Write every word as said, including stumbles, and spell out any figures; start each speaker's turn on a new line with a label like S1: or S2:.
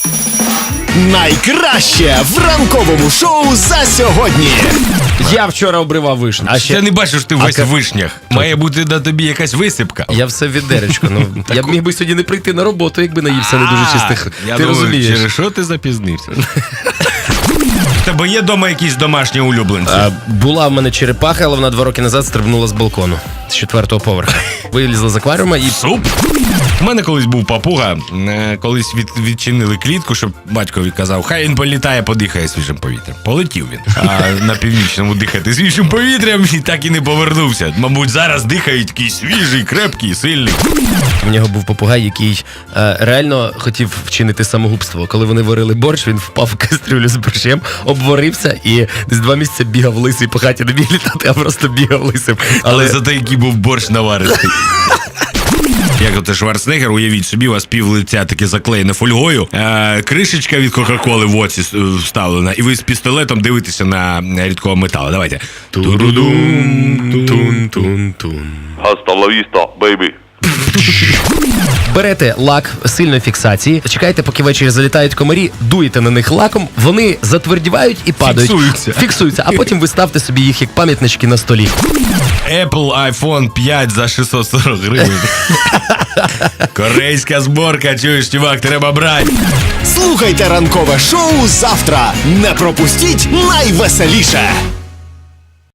S1: Найкраще в ранковому шоу за сьогодні.
S2: Я вчора обривав вишню.
S3: А ще... Я не бачу, що ти весь
S2: ка-
S3: в вишнях. Має бути на тобі якась висипка.
S2: Я все відеречко. Ну, я б міг би сьогодні не прийти на роботу, якби наївся не дуже чистих.
S3: Я
S2: Ти
S3: думаю,
S2: розумієш?
S3: через що ти запізнився? В тебе є вдома якісь домашні улюбленці?
S2: А, була в мене черепаха, але вона два роки назад стрибнула з балкону. З четвертого поверха. Вилізла з акваріума і...
S3: Суп? У мене колись був папуга, е, колись від, відчинили клітку, щоб батькові казав, хай він політає, подихає свіжим повітрям. Полетів він. А на північному дихати свіжим повітрям і так і не повернувся. Мабуть, зараз дихають такий свіжий, крепкий, сильний.
S2: В нього був попугай, який е, реально хотів вчинити самогубство. Коли вони варили борщ, він впав в кастрюлю з борщем, обварився і десь два місяці бігав лисий по хаті, не міг літати, а просто бігав лисим.
S3: Але,
S2: Але
S3: за те, який був борщ наваристий. Як от Шварценеггер, уявіть собі, у вас пів лиця таке заклеєне фольгою, е, кришечка від Кока-Коли в оці вставлена, і ви з пістолетом дивитеся на рідкого металу. Давайте.
S2: Ту-ду-дум, тун-тун-тун.
S4: Hasta la vista, baby.
S2: Берете лак сильної фіксації, чекайте, поки ввечері залітають комарі, дуєте на них лаком, вони затвердівають і падають.
S3: Фіксуються.
S2: Фіксуються, а потім ви ставте собі їх як пам'ятнички на столі.
S3: Apple айфон п'ять за шістсот сорок гривень. Корейська зборка, чуєш, чувак, треба брати.
S1: Слухайте ранкове шоу завтра. Не пропустіть найвеселіше.